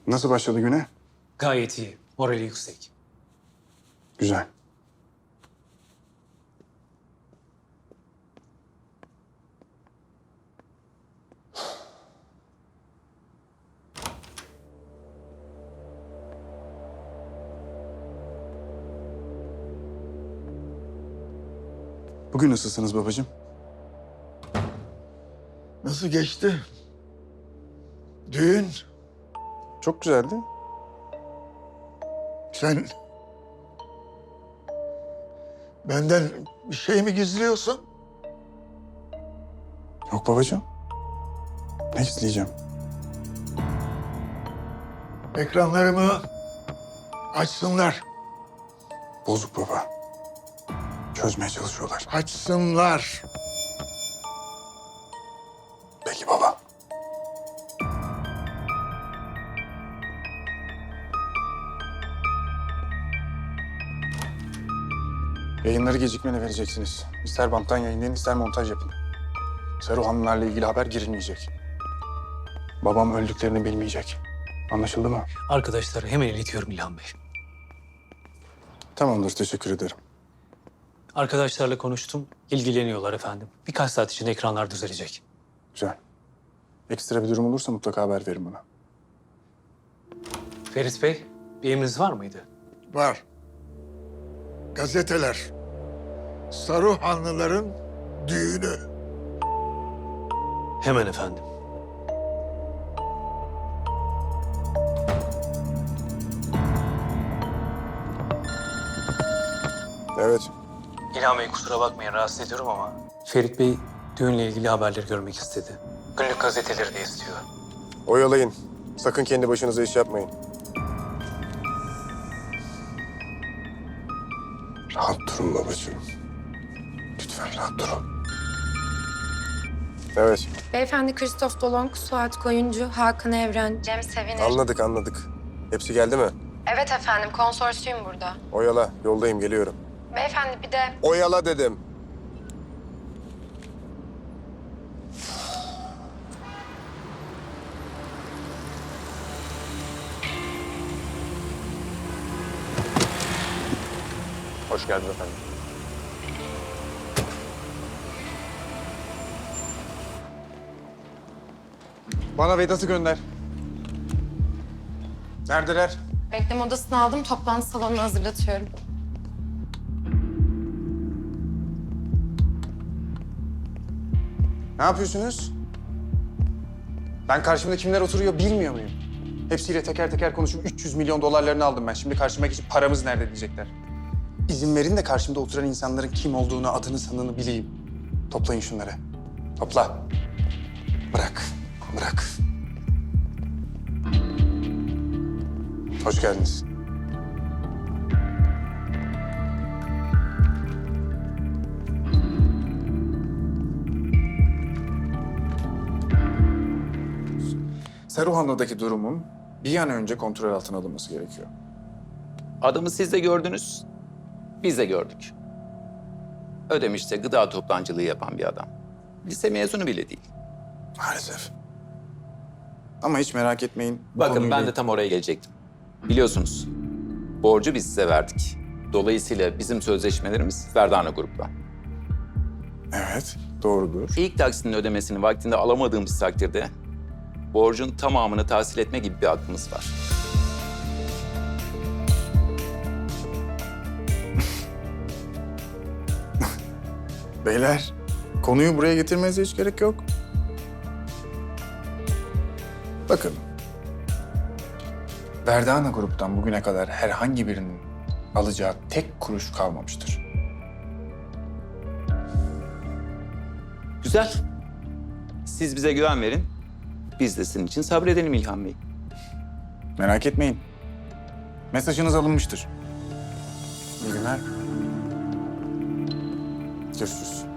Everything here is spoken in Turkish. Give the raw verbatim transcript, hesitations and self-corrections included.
Nasıl başladı güne? Gayet iyi. Morali yüksek. Güzel. Bugün nasılsınız babacığım? Nasıl geçti? Düğün. Çok güzeldi. Sen benden bir şey mi gizliyorsun? Yok babacığım. Ne isteyeceğim? Ekranlarımı açsınlar. Bozuk baba. Çözmeye çalışıyorlar. Açsınlar. Peki baba. Yayınları gecikmeli vereceksiniz. İster banttan yayınlayın, ister montaj yapın. Saruhanlılarla ilgili haber girilmeyecek. Babam öldüklerini bilmeyecek. Anlaşıldı mı? Arkadaşlar hemen iletiyorum İlhan Bey. Tamamdır, teşekkür ederim. Arkadaşlarla konuştum. İlgileniyorlar efendim. Birkaç saat içinde ekranlar düzelecek. Güzel. Ekstra bir durum olursa mutlaka haber verin bana. Ferit Bey, bir emriniz var mıydı? Var. Gazeteler. Saruhanlıların düğünü. Hemen efendim. Evet. İlhan Bey kusura bakmayın rahatsız ediyorum ama... Ferit Bey düğünle ilgili haberleri görmek istedi. Günlük gazeteleri de istiyor. Oyalayın. Sakın kendi başınıza iş yapmayın. Rahat durun babacığım. Lütfen rahat durun. Evet, Beyefendi Christoph Dolong, Suat Koyuncu, Hakan Evren, Cem Sevinir. anladık anladık. Hepsi geldi mi? Evet efendim, konsorsiyum burada. Oyala, yoldayım, geliyorum. Beyefendi bir de Oyala dedim. Hoş geldin efendim. Bana Vedat'ı gönder. Neredeler? bekleme odasını aldım, toplantı salonunu hazırlatıyorum. Ne yapıyorsunuz? Ben karşımda kimler oturuyor bilmiyor muyum? Hepsiyle teker teker konuşup üç yüz milyon dolarlarını aldım ben. Şimdi karşıma geçip paramız nerede diyecekler. İzin verin de karşımda oturan insanların kim olduğunu, adını, sanını bileyim. Toplayın şunları. Topla. Bırak, bırak. Hoş geldiniz. Saruhanlı'daki durumun bir an önce kontrol altına alınması gerekiyor. Adamı siz de gördünüz, biz de gördük. Ödemiş'te gıda toptancılığı yapan bir adam. Lise mezunu bile değil. Maalesef. Ama hiç merak etmeyin. bu Bakın konuyla- ben de tam oraya gelecektim. Biliyorsunuz, borcu biz size verdik. Dolayısıyla bizim sözleşmelerimiz Verdana Grup'la. Evet, doğrudur. İlk taksinin ödemesini vaktinde alamadığımız takdirde borcun tamamını tahsil etme gibi bir hakkımız var. Beyler, konuyu buraya getirmenize hiç gerek yok. Bakın. Verdana Grup'tan bugüne kadar herhangi birinin alacağı tek kuruş kalmamıştır. Güzel. Siz bize güven verin. Biz de sizin için sabredelim İlhan Bey. Merak etmeyin. Mesajınız alınmıştır. İyi günler. Görüşürüz.